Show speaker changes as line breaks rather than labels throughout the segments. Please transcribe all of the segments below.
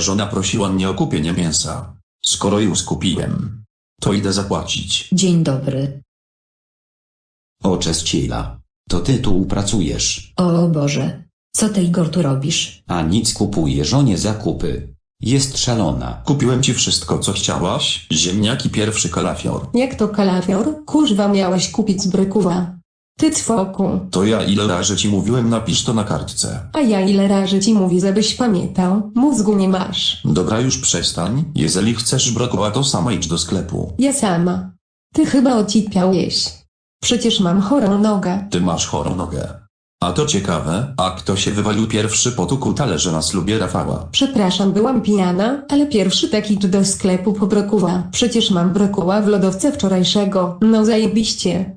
żona prosiła mnie o kupienie mięsa. Skoro już kupiłem, to idę zapłacić.
Dzień dobry.
O, Czescila. To ty tu pracujesz.
O Boże. Co ty, Igor, tu robisz?
A nic, kupuje żonie zakupy. Jest szalona.
Kupiłem ci wszystko, co chciałaś, ziemniaki, pierwszy kalafior.
Jak to kalafior? Kurwa, miałeś kupić z Brykuwa. Ty cwoku.
To ja ile razy ci mówiłem, napisz to na kartce.
A ja ile razy ci mówi, żebyś pamiętał? Mózgu nie masz.
Dobra, już przestań. Jeżeli chcesz brokuła, to sama idź do sklepu.
Ja sama. Ty chyba ocipiałeś. Przecież mam chorą nogę.
Ty masz chorą nogę. A to ciekawe, a kto się wywalił pierwszy po tuku talerze na ślubie Rafała?
Przepraszam, byłam pijana, ale pierwszy taki idź do sklepu po brokuła. Przecież mam brokuła w lodowce wczorajszego. No zajebiście.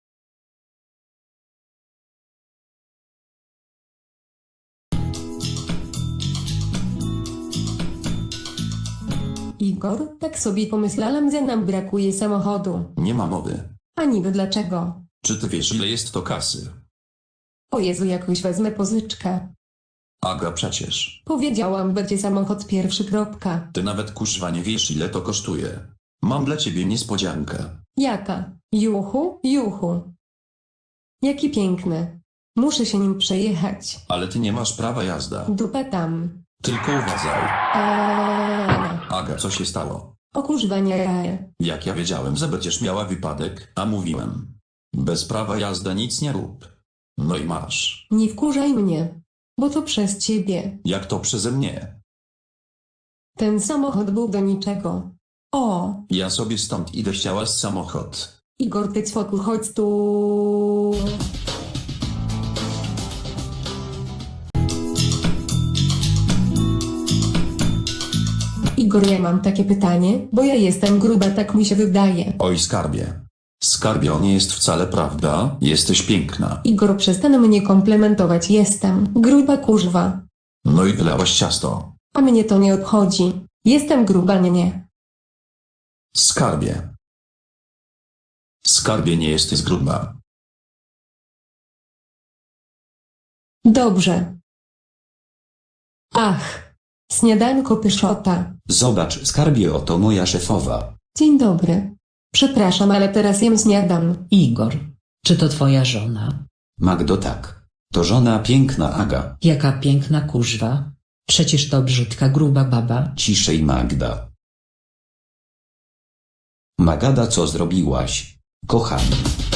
Igor, tak sobie pomyślałam, że nam brakuje samochodu.
Nie ma mowy.
A niby dlaczego?
Czy ty wiesz, ile jest to kasy?
O Jezu, jakoś wezmę pożyczkę.
Aga, przecież.
Powiedziałam, będzie samochód pierwszy. Kropka.
Ty nawet kuźwa nie wiesz, ile to kosztuje. Mam dla ciebie niespodziankę.
Jaka? Juchu, juchu. Jaki piękny. Muszę się nim przejechać.
Ale ty nie masz prawa jazda.
Dupa tam.
Tylko uważaj.
Eee.
Aga, co się stało?
O kurwa nie.
Jak ja wiedziałem, że będziesz miała wypadek, a mówiłem. Bez prawa jazda nic nie rób. No i masz.
Nie wkurzaj mnie. Bo to przez ciebie.
Jak to przeze mnie?
Ten samochód był do niczego. O,
Ja sobie stąd idę, chciała z samochód.
Igor, ty cwoku, chodź tu. Igor, ja mam takie pytanie, bo ja jestem gruba, tak mi się wydaje.
Oj, skarbie. Skarbie, nie jest wcale prawda, jesteś piękna.
Igor, przestań mnie komplementować, jestem gruba kurwa.
No i wylałaś ciasto.
A mnie to nie obchodzi. Jestem gruba, nie.
Skarbie. Skarbie, nie jesteś gruba.
Dobrze. Ach. Śniadanko pyszota.
Zobacz, skarbie, oto moja szefowa.
Dzień dobry. Przepraszam, ale teraz jem śniadam.
Igor. Czy to twoja żona?
Magdo, tak. To żona piękna Aga.
Jaka piękna kuźwa. Przecież to brzydka gruba baba.
Ciszej, Magda. Magada, co zrobiłaś? Kochani.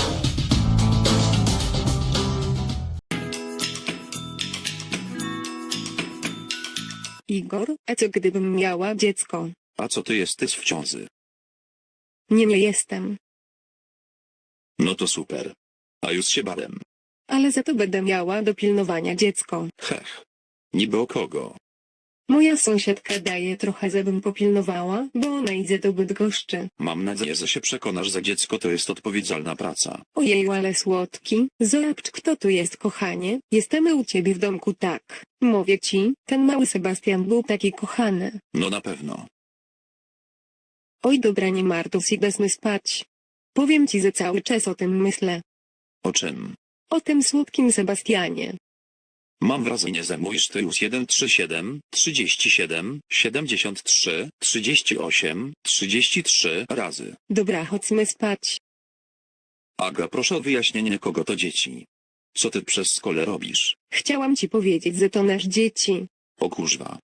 Igor, a co gdybym miała dziecko?
A co ty jesteś w ciąży?
Nie jestem.
No to super. A już się bałem.
Ale za to będę miała do pilnowania dziecko.
Hech. Niby o kogo?
Moja sąsiadka daje trochę, żebym popilnowała, bo ona idzie do Bydgoszczy.
Mam nadzieję, że się przekonasz, że dziecko to jest odpowiedzialna praca.
Ojeju, ale słodki. Zobacz, kto tu jest, kochanie. Jesteśmy u ciebie w domku, tak. Mówię ci, ten mały Sebastian był taki kochany.
No na pewno.
Oj dobra, nie martw się, idę spać. Powiem ci, że cały czas o tym myślę.
O czym?
O tym słodkim Sebastianie.
Mam wrażenie, że mówisz ty już 137, 37, 73, 38, 33 razy.
Dobra, chodźmy spać.
Aga, proszę o wyjaśnienie, kogo to dzieci. Co ty przez szkole robisz?
Chciałam ci powiedzieć, że to nasz dzieci.
O kurwa.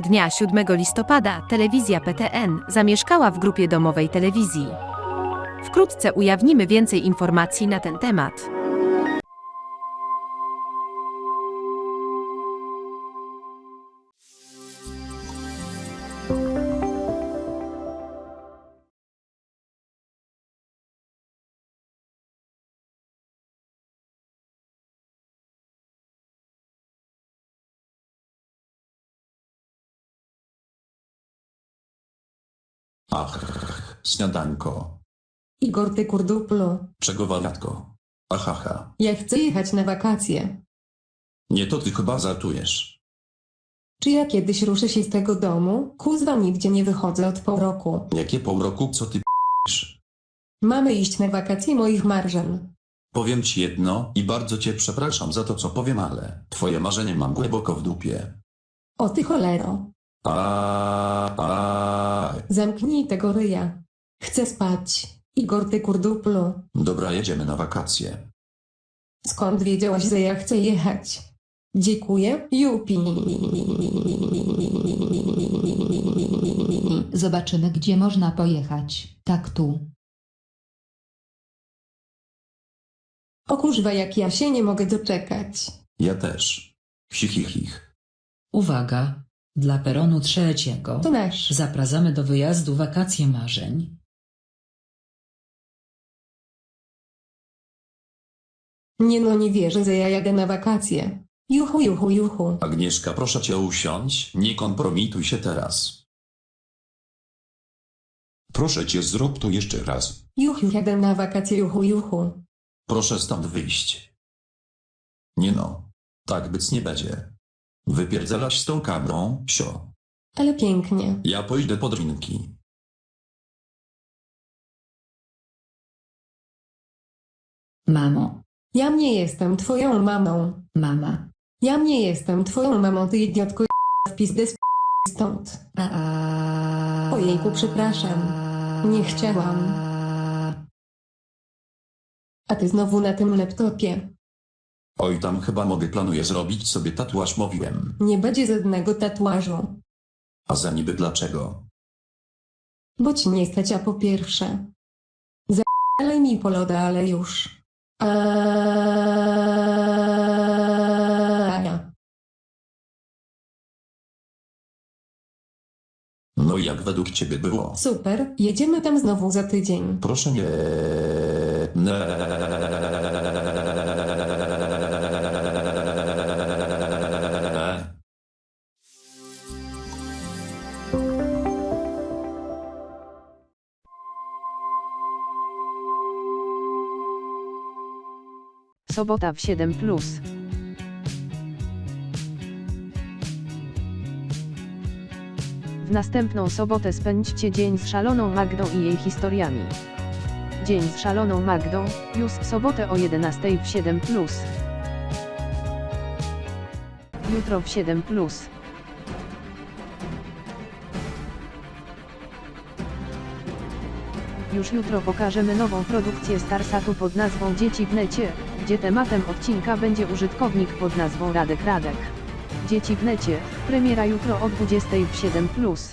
Dnia 7 listopada telewizja PTN zamieszkała w grupie domowej telewizji. Wkrótce ujawnimy więcej informacji na ten temat.
Ach, śniadanko.
Igor, ty kurduplu,
Czego wariatko? Ahaha.
ja chcę jechać na wakacje.
Nie, to ty chyba żartujesz.
Czy ja kiedyś ruszę się z tego domu? Kuzwa, nigdzie nie wychodzę od pół roku.
Jakie pół roku, co ty p***sz?
Mamy iść na wakacje moich marzeń.
Powiem ci jedno i bardzo cię przepraszam za to, co powiem, ale twoje marzenie mam głęboko w dupie.
O ty cholero. Zamknij tego ryja. Chcę spać. Igor, ty kurduplu.
Dobra, jedziemy na wakacje.
Skąd wiedziałaś, że ja chcę jechać? Dziękuję, Jupi.
Zobaczymy, gdzie można pojechać. Tak tu.
O kurwa, jak ja się nie mogę doczekać.
Ja też. Hihichich.
Uwaga! Dla peronu 3.
To nasz.
Zapraszamy do wyjazdu wakacje marzeń.
Nie no, nie wierzę, że ja jadę na wakacje. Juchu, juchu, juchu.
Agnieszka, proszę cię usiądź, nie kompromituj się teraz.
Proszę cię, zrób to jeszcze raz.
Juchu, jadę na wakacje, juchu, juchu.
Proszę stąd wyjść. Nie no. Tak być nie będzie. Wypierdzelaś z tą kamerą, sio.
Ale pięknie.
Ja pójdę po drinki.
Mamo.
Ja nie jestem twoją mamą.
Mama.
Ja nie jestem twoją mamą, ty idiotko, w pizdę stąd. Ojejku, przepraszam. Nie chciałam. A ty znowu na tym laptopie.
Oj, tam chyba planuję zrobić sobie tatuaż, mówiłem.
Nie będzie żadnego tatuażu.
A za niby dlaczego?
Bo ci nie stać, a po pierwsze. Zalej mi po loda, ale już.
No i jak według ciebie było?
Super, jedziemy tam znowu za tydzień.
Proszę nie.
Sobota w 7+. W następną sobotę spędźcie dzień z szaloną Magdą i jej historiami. Dzień z szaloną Magdą, już w sobotę o 11 w 7+. Jutro w 7+. Już jutro pokażemy nową produkcję Starsatu pod nazwą Dzieci w necie, gdzie tematem odcinka będzie użytkownik pod nazwą Radek Radek. Dzieci w necie, premiera jutro o 20 w 7+.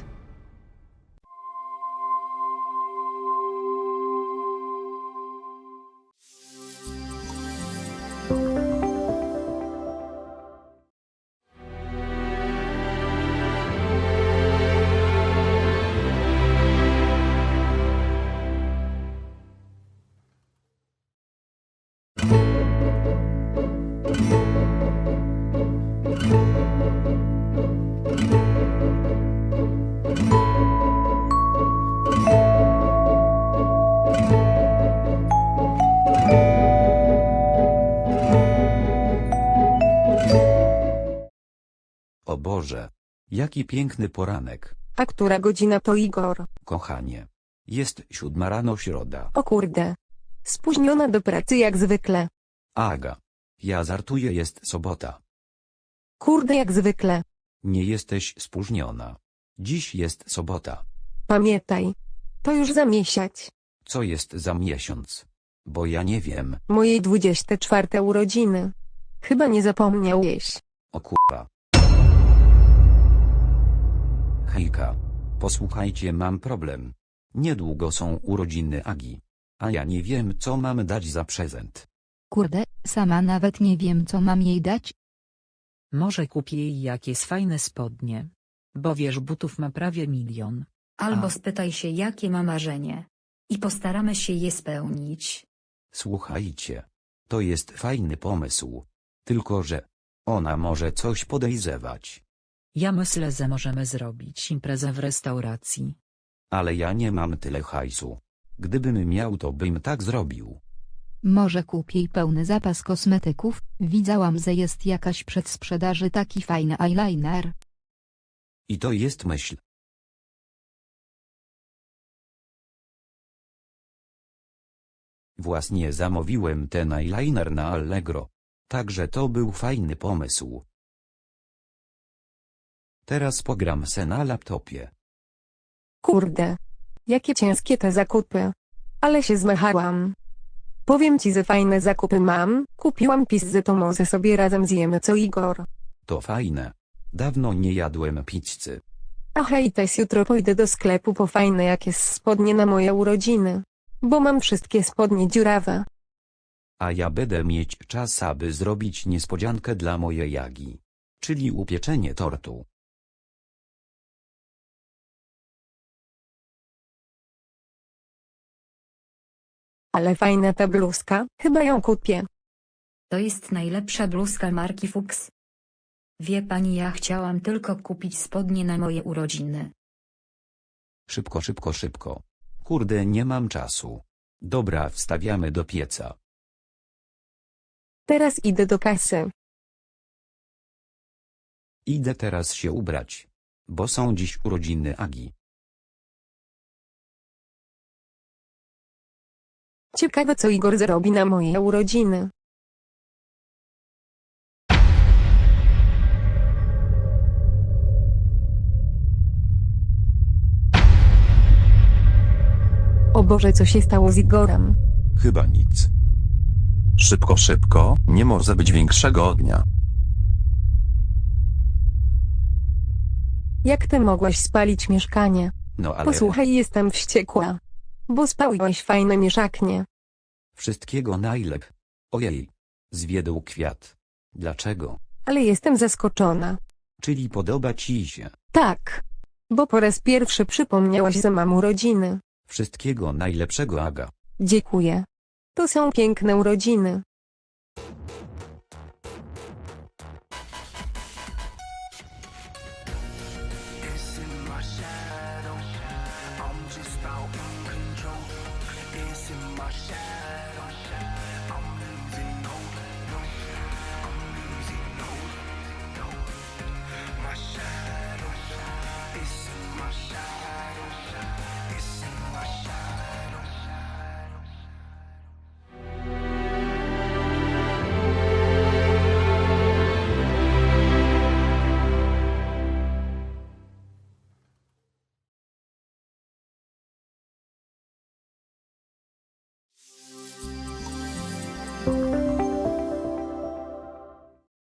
O Boże. Jaki piękny poranek.
A która godzina to, Igor?
Kochanie. Jest 7 rano, środa.
O kurde. Spóźniona do pracy jak zwykle.
Aga. Ja żartuję, jest sobota.
Kurde, jak zwykle.
Nie jesteś spóźniona. Dziś jest sobota.
Pamiętaj. To już za miesiąc.
Co jest za miesiąc? Bo ja nie wiem.
Mojej 24 urodziny. Chyba nie zapomniałeś.
O kurwa. Hejka. Posłuchajcie, mam problem. Niedługo są urodziny Agi. A ja nie wiem, co mam dać za prezent.
Kurde, sama nawet nie wiem co mam jej dać.
Może kupię jej jakieś fajne spodnie. Bo wiesz, butów ma prawie 1 milion.
Albo
A.
spytaj się, jakie ma marzenie. I postaramy się je spełnić.
Słuchajcie. To jest fajny pomysł. Tylko że ona może coś podejrzewać.
Ja myślę, że możemy zrobić imprezę w restauracji.
Ale ja nie mam tyle hajsu. Gdybym miał, to bym tak zrobił.
Może kupię jej pełny zapas kosmetyków, widziałam, że jest jakaś przedsprzedaży taki fajny eyeliner.
I to jest myśl. Właśnie zamówiłem ten eyeliner na Allegro. Także to był fajny pomysł. Teraz pogram se na laptopie.
Kurde. Jakie ciężkie te zakupy. Ale się zmachałam. Powiem ci, że fajne zakupy mam. Kupiłam pizzę, to może sobie razem zjemy co, Igor.
To fajne. Dawno nie jadłem pizzy.
A hej, też jutro pójdę do sklepu po fajne jakieś spodnie na moje urodziny. Bo mam wszystkie spodnie dziurawe.
A ja będę mieć czas, aby zrobić niespodziankę dla mojej Jagi. Czyli upieczenie tortu.
Ale fajna ta bluzka, chyba ją kupię.
To jest najlepsza bluzka marki Fuchs. Wie pani, ja chciałam tylko kupić spodnie na moje urodziny.
Szybko, szybko, szybko. Kurde, nie mam czasu. Dobra, wstawiamy do pieca.
Teraz idę do kasy.
Idę teraz się ubrać. Bo są dziś urodziny Agi.
Ciekawe, co Igor zrobi na moje urodziny. O Boże, co się stało z Igorem?
Chyba nic. Szybko, szybko, nie może być większego ognia.
Jak ty mogłaś spalić mieszkanie?
No ale...
Posłuchaj, jestem wściekła. Bo spaliłeś fajne mieszaknie.
Wszystkiego najlep. Ojej. Zwiedł kwiat. Dlaczego?
Ale jestem zaskoczona.
Czyli podoba ci się.
Tak. Bo po raz pierwszy przypomniałaś, że mam urodziny.
Wszystkiego najlepszego, Aga.
Dziękuję. To są piękne urodziny.